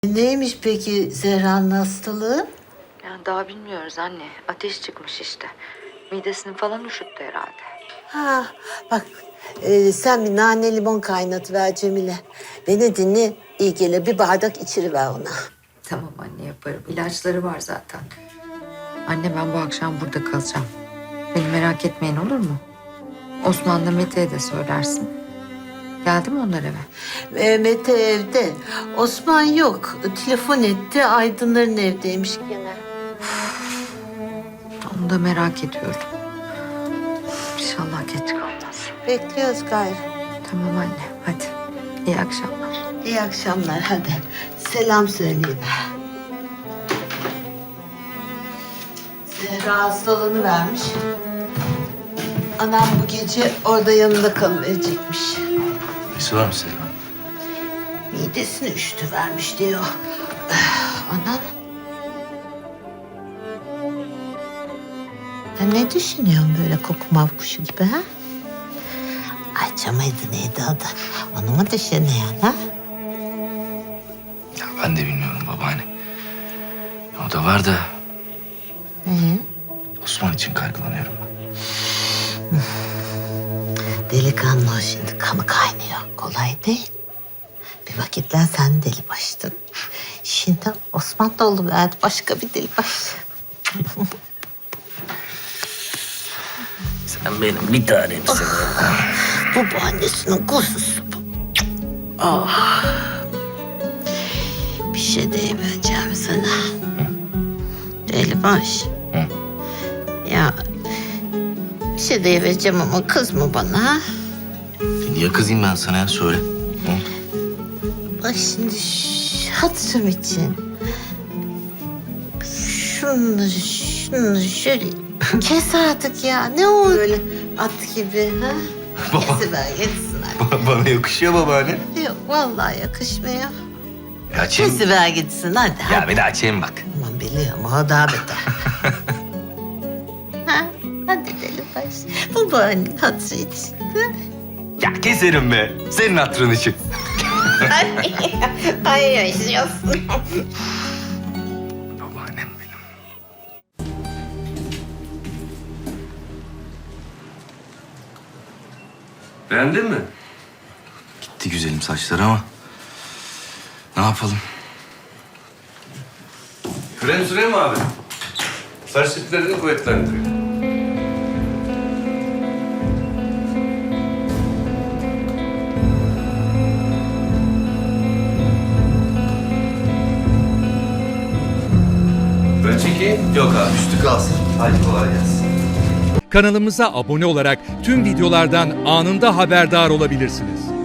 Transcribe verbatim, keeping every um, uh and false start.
Neymiş peki Zehra'nın hastalığı? Yani daha bilmiyoruz anne. Ateş çıkmış işte. Midesini falan üşüttü herhalde. Ha, bak e, sen bir nane limon kaynatıver Cemile. Beni dinle, iyi gelir. Bir bardak içiriver ona. Tamam anne yaparım. İlaçları var zaten. Anne ben bu akşam burada kalacağım. Beni merak etmeyin olur mu? Osman'la Mete'ye de söylersin. Geldi mi onlar eve? E, Mete evde. Osman yok. Telefon etti. Aydınların evdeymiş gene. Onu da merak ediyorum. İnşallah geç kalmaz. Bekliyoruz gayrı. Tamam anne hadi. İyi akşamlar. İyi akşamlar hadi. Selam söyleyin. Zehra hastalığını vermiş. Anam bu gece orada yanında kalıverecekmiş. Nesi var mı senin? Midesini üşütü vermiş diyor. Anam. Ya ne düşünüyorsun böyle koku mavkuşu gibi ha? Ayça mıydı neydi adı? Onu mu düşünüyorsun ha? Ya ben de bilmiyorum babaanne. O da var da Ee? Osman için kaygılanıyorum ben. Delikanlı o şimdi kanı kaynıyor. Kolay değil. Bir vakitler sen deli baştın. Şimdi Osman da oluverdi başka bir deli baş. Sen benim bir tanemsin. Bu babaannesinin kuzusu bu. Ah. Bir şey diyemeyeceğim sana. Deli baş. Hı? Ya bir şey diyemeyeceğim ama kızma bana. Ha? Niye kızayım ben sana ya söyle. Hı? Bak şimdi şu hatırım için. Şunu, şunu şöyle kes artık ya. Ne o öyle at gibi ha? Baba. Kesiver gitsin hadi. Bana yakışıyor babaanne. Yok vallahi yakışmıyor. Ya açayım. Kesiver gitsin hadi. Ya hadi. bir de açayım bak. Aman biliyorum o daha beter. ha? Hadi deli baş. Bu bahanenin hatırı için. Ya keserim be. Senin hatırın için. Ay, ay yaşıyorsun. Babaannem benim. Beğendin mi? Gitti güzelim saçları ama ne yapalım? Krem süreyim mi abi? Saç diplerini kuvvetlendiriyor. Ben çekeyim. Yok abi. Üstü kalsın. Hadi kolay gelsin. Kanalımıza abone olarak tüm videolardan anında haberdar olabilirsiniz.